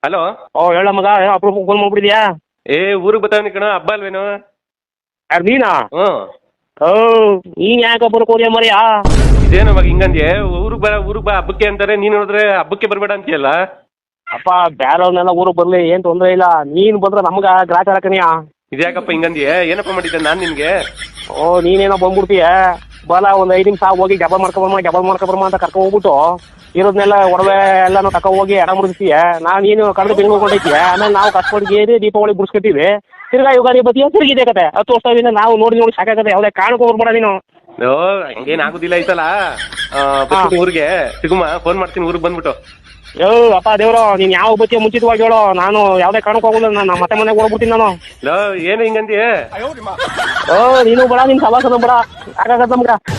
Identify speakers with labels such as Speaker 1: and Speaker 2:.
Speaker 1: Hello.
Speaker 2: ಓ ಹೇಳ ಮಗ, ಅಪ್ರೂಪ ಫೋನ್ ಮಾಡ್ಬಿಡಿದ್ಯಾ?
Speaker 1: ಏ ಊರಿಗೆ ಬರ್ತಾವನಿ ಕಣ, ಹಬ್ಬ ಅಲ್ವೇನು?
Speaker 2: ಯಾರು ನೀನಾ?
Speaker 1: ಹ್ಞೂ.
Speaker 2: ಓ ನೀನ್ ಯಾಕೆ ಬರಕ್ ಹೋದ್ಯಾ ಮರಿಯಾ?
Speaker 1: ಇದೇನು ಮಗ ಹಿಂಗಂದ್ಯೆ? ಊರಿಗೆ ಬಾ ಹಬ್ಬಕ್ಕೆ ಅಂತಾರೆ, ನೀನು ನೋಡಿದ್ರೆ ಹಬ್ಬಕ್ಕೆ ಬರಬೇಡ ಅಂತೀಯಲ್ಲ.
Speaker 2: ಅಪ್ಪ ಬೇರೆಯವ್ರನ್ನೆಲ್ಲ ಊರಿಗೆ ಬರ್ಲಿ, ಏನ್ ತೊಂದ್ರೆ ಇಲ್ಲ. ನೀನ್ ಬಂದ್ರೆ ನಮ್ಗ ಗ್ರಾಚಾರ ಕಣಿಯಾ.
Speaker 1: ಇದ್ಯಾಕಪ್ಪ ಹಿಂಗಂದ್ಯೆ? ಏನಪ್ಪ ಮಾಡಿದ್ದೆ ನಾನು ನಿನಗೆ?
Speaker 2: ಓ ನೀನೇನೋ ಬಂದ್ಬಿಡ್ತೀಯ, ಬಲ ಒಂದ್ 5 ನಿಮಿಷ ಹೋಗಿ ಡಬಲ್ ಮಾಡ್ಕೊಬರ್ಮ ಅಂತ ಕರ್ಕೊ ಹೋಗ್ಬಿಟ್ಟು ಇರೋದ್ನೆಲ್ಲ ಒಡವೆ ಎಲ್ಲಾನು ತಕೊ ಹೋಗಿ ಎಡ ಮುಡಿಸ್ತೀಯ. ನೀನು ಕಳೆದು ಬೆಂಗಳೂರು ಕೊಂಡೈತೀಯ. ಆಮೇಲೆ ನಾವು ಕಷ್ಟಪಟ್ಟು ದೀಪಾವಳಿ ಬಿಡಿಸ್ಕೊತೀವಿ. ತಿರ್ಗಾ ಯುಗಾದಿ ಬತ್ತೀಯ, ತಿರುಗಿದೆ ಕತೆ 10 ವರ್ಷದಿಂದ ನಾವು ನೋಡಿ ಸಾಕಾಗತ್ತೆ. ಯಾವುದೇ ಕಾರಣಕ್ಕೂ ಬರ್ಬೇಡ ನೀನು.
Speaker 1: ಓ ಹಂಗೇನು ಆಗುದಿಲ್ಲ ಐತಲ್ಲ. ಬರ್ತೀನಿ ಊರಿಗೆ, ಸಿಗುಮ ಫೋನ್ ಮಾಡ್ತೀನಿ ಊರಿಗೆ ಬಂದ್ಬಿಟ್ಟು.
Speaker 2: ಯೋ ಅಪ್ಪ ದೇವ್ರು, ನೀನ್ ಯಾವ ಬತ್ತಿಯ ಮುಂಚಿತವಾಗಿ ಹೇಳೋ, ನಾನು ಯಾವುದೇ ಕಾರಣಕ್ಕೂ ಹೋಗಲ್ಲ. ನಾನು ಮತ್ತೆ ಮನೆಗೆ ಹೋಗ್ಬಿಡ್ತೀನಿ ನಾನು.
Speaker 1: ಏನು ಹಿಂಗಂದ್ಯೆ?
Speaker 2: ಓ ನೀನು ಬೇಡ, ನಿನ್ ಸವಾಸನ ಬೇಡ, ಸಾಕಾಗತ್ತ ನಮ್ಗ.